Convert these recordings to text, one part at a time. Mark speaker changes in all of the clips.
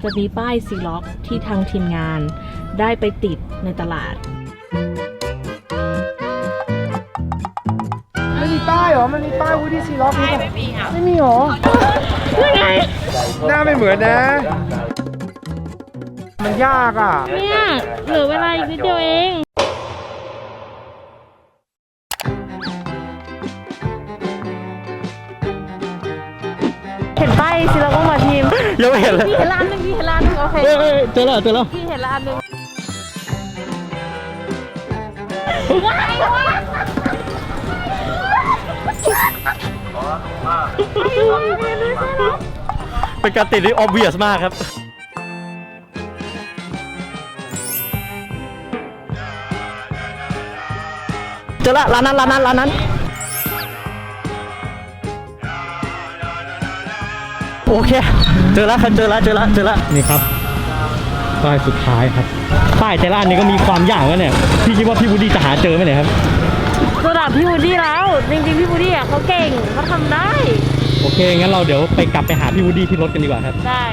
Speaker 1: จะมีป้ายซีล็อกที่ทางทีมงานได้ไปติดในตลาด
Speaker 2: ไม่มีป้ายเหรอมันมีป้ายวูดดี้ซีล็อกไม่มีค่ะไม่มีเหรอ
Speaker 1: ยังไง
Speaker 2: หน้าไม่เหมือนนะมันยากอ่ะ
Speaker 1: เนี่ยเหลือเวลาอีกนิดเดียวเองเห็นป้ายซีล็อกมาทีม
Speaker 2: ยังไม่เห็นเลย
Speaker 1: พี่เห็นร้านนึงพี่เห็นร้านนึงโอเค
Speaker 2: เจอแล้ว
Speaker 1: พี่เห็นร้านนึง
Speaker 2: เป็นการติดที่ obvious มากครับเจอละร้านนั้นโอเคเจอแล้วนี่ครับป้ายสุดท้ายครับป้ายแต่ละอันนี้ก็มีความยากแล้วเนี่ยพี่คิดว่าพี่วูดดี้จะหาเจอไหมเนี่ยครับ
Speaker 1: ระดับพี่วูดดี้แล้วจริงๆพี่วูดดี้เขาเก่งเขาทำได้
Speaker 2: โอเคงั้นเราเดี๋ยวไปกลับไปหาพี่วูดดี้ที่รถกันดีกว่าครับ
Speaker 1: ได้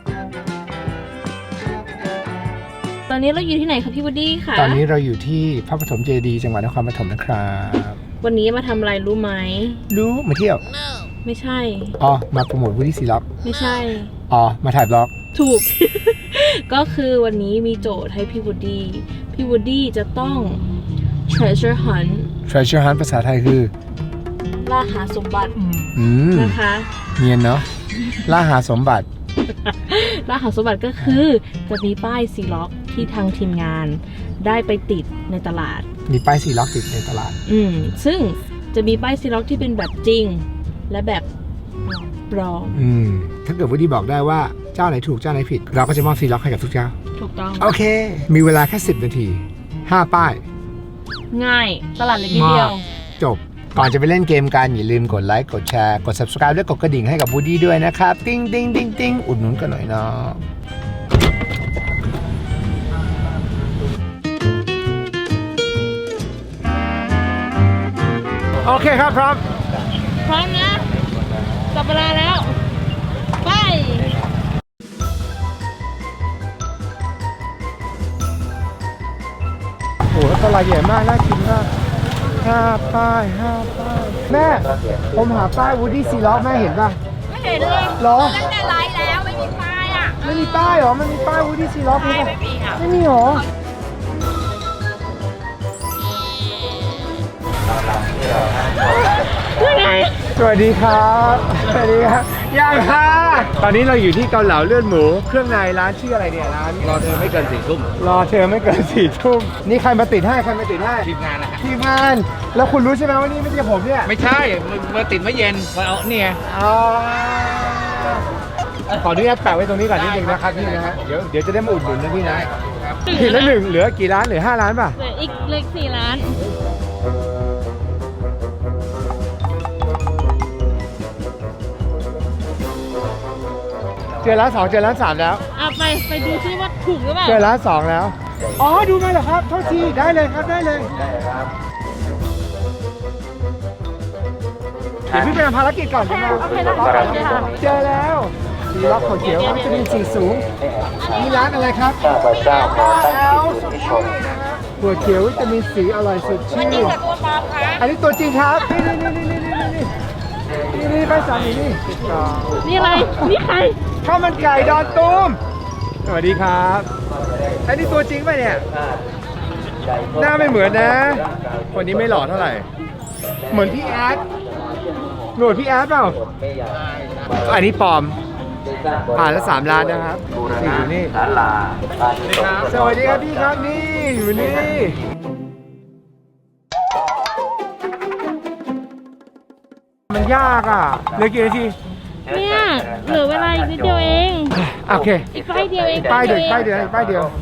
Speaker 1: ตอนนี้เราอยู่ที่ไหนครับพี่วูดดี้ค่ะ
Speaker 2: ตอนนี้เราอยู่ที่พระปฐมเจดีย์จังหวัดนครปฐมนะครับ
Speaker 1: วันนี้มาทำอะไรรู้ไหม
Speaker 2: รู้มาเที่ยว
Speaker 1: ไม่ใช่
Speaker 2: อ๋อมาโปรโมทวูดดี้ซีล็อก
Speaker 1: ไม่ใช่
Speaker 2: อ๋อมาถ่ายบล็อก
Speaker 1: ถูก ก็คือวันนี้มีโจทย์ให้พี่วูดดี้จะต้อง treasure hunt
Speaker 2: ภาษาไทยคือ
Speaker 1: ล่าหาสมบัตินะคะ
Speaker 2: เนียนเนาะล่าหาสมบัติ
Speaker 1: ล่าหาสมบัติก็คือจะมีป้ายซีล็อกที่ทางทีมงานได้ไปติดในตลาด
Speaker 2: มีป้ายซีล็อกติดในตลาด
Speaker 1: ซึ่งจะมีป้ายซีล็อกที่เป็นแบบจริงและแบบปลอม
Speaker 2: ถ้าเกิดวูดดี้บอกได้ว่าเจ้าไหนถูกเจ้าไหนผิดเราก็จะมอบซีล็อกให้กับทุกเจ้า
Speaker 1: ถูกต้อง
Speaker 2: โอเคมีเวลาแค่10 นาที5 ป้าย
Speaker 1: ง่ายตลาดเล็กนิดเดียว
Speaker 2: จบก่อนจะไปเล่นเกมกันอย่าลืมกดไลค์กดแชร์กด subscribe และกดกระดิ่งให้กับวูดดี้ด้วยนะครับติ๊งติ๊งติ๊งติ๊งอุดหนุนกันหน่อยเนาะโอเคครับพร้อ
Speaker 1: มนะจับเวลาแล้วไป
Speaker 2: โอ้โหตลาดใหญ่มากน่ากินมาก5 ป้ายแม่ผมหาป้ายวูดดี้ซีล็อกแม่เห็นป่ะ
Speaker 1: ไม่เห็นเลย
Speaker 2: หรอ
Speaker 1: ตั้งแต่ไลฟ์แล้วไม่มีป้ายอ่ะ
Speaker 2: ไม่มีป้ายเหรอมันมีป้ายวูดดี้ซีล็อกไหมไม่มีหรอสวัสดีครับยังค่ะตอนนี้เราอยู่ที่เกาเหลาเลือดหมูเครื่องในร้านชื่ออะไรเนี่ยร้าน
Speaker 3: รอเธอไม่เกิน4 ทุ่ม
Speaker 2: นี่ใครมาติดให้
Speaker 3: ทีมงานนะฮะ
Speaker 2: ทีมงานแล้วคุณรู้ใช่ไหมว่านี่ไม่ใช่ผมเนี่ย
Speaker 3: ไม่ใช่มาติดไม่เย็นมาเอาเนี่ย
Speaker 2: ขออนุญาตแปะไว้ตรงนี้ก่อนนิดนึงนะครับพี่นะฮะเดี๋ยวจะได้มาอุดหนุนนะพี่นะผิดละ1เหลือกี่ร้านเหลือ5 ร้านป่ะ
Speaker 1: เหลืออีกเล็ก4 ร้าน
Speaker 2: เจอร้าน 2เจอร้าน 3แล้ว
Speaker 1: ไปดูซิว่าถูกหรือเปล่า
Speaker 2: เจอร้าน 2แล้วอ๋อดูมาเหรอครับโทษทีได้เลยครับได้เลยเดี๋ยวพี่ไปทำภารกิจก่อนนะ
Speaker 1: โอเคนะคะ
Speaker 2: เจอแล้วซีล็อกขาวเขียววิตามินซีสูงมีร้านอะไรครับหัวเขียววิตามินซีอร่อยสดชื่นอันนี้ตัวจริงครับนี่ไปสั่ง
Speaker 1: นี่อะไรนี่ใคร
Speaker 2: ข้าวมันไก่ดอนตูมสวัสดีครับอันนี้ตัวจริงป่ะเนี่ยหน้าไม่เหมือนนะคนนี้ไม่หล่อเท่าไหร่เหมือนพี่แอดหนวดพี่แอดเปล่าอันนี้ปลอมผ่านละ3 ล้านนะครับอยู่นี่สวัสดีครับพี่ครับนี่อยู่นี่มันยากอ่ะเหลือกี่นาที
Speaker 1: เนี่ยเหลือเวลาอีกนิดเดียวเอง
Speaker 2: โอเค
Speaker 1: อีกป้ายเดียวเอง
Speaker 2: ป้ายเดียว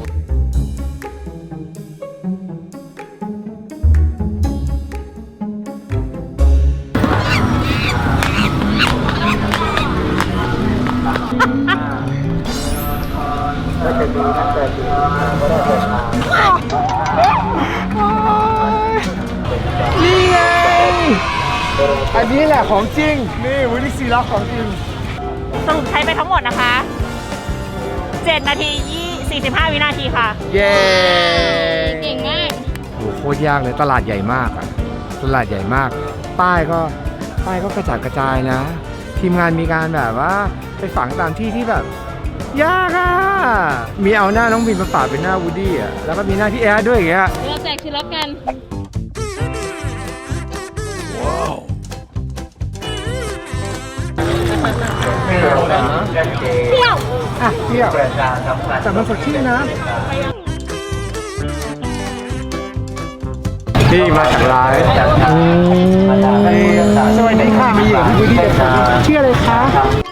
Speaker 2: นี่ไงอันนี้แหละของจริงนี่วูดดี้ซีล็อกของจริง
Speaker 1: สรุปใช้ไปทั้งหมดนะคะ7
Speaker 4: 7 นาที 45 วินาทีค่ะ
Speaker 2: เย้
Speaker 1: เก่งมาก
Speaker 2: โอ้โหโคตรยากเลยตลาดใหญ่มากอะตลาดใหญ่มาก ป้ายก็กระจัดกระจายนะ ทีมงานมีการแบบว่าไปฝังตามที่ที่แบบ ยากอะมีเอาหน้าน้องบินมาปะเป็นหน้าวูดดี้อะแล้วก็มีหน้าพี่แอดด้วยอย่างเงี้ย
Speaker 1: เราแจกทีละกัน
Speaker 2: เที่ยวอ่ะเที่ยวแต่มันสดชื่นนะนี่มาจากร้านสวัสดีค่ะมาอยู่กับพี่วูดดี้ชื่ออะไรคะ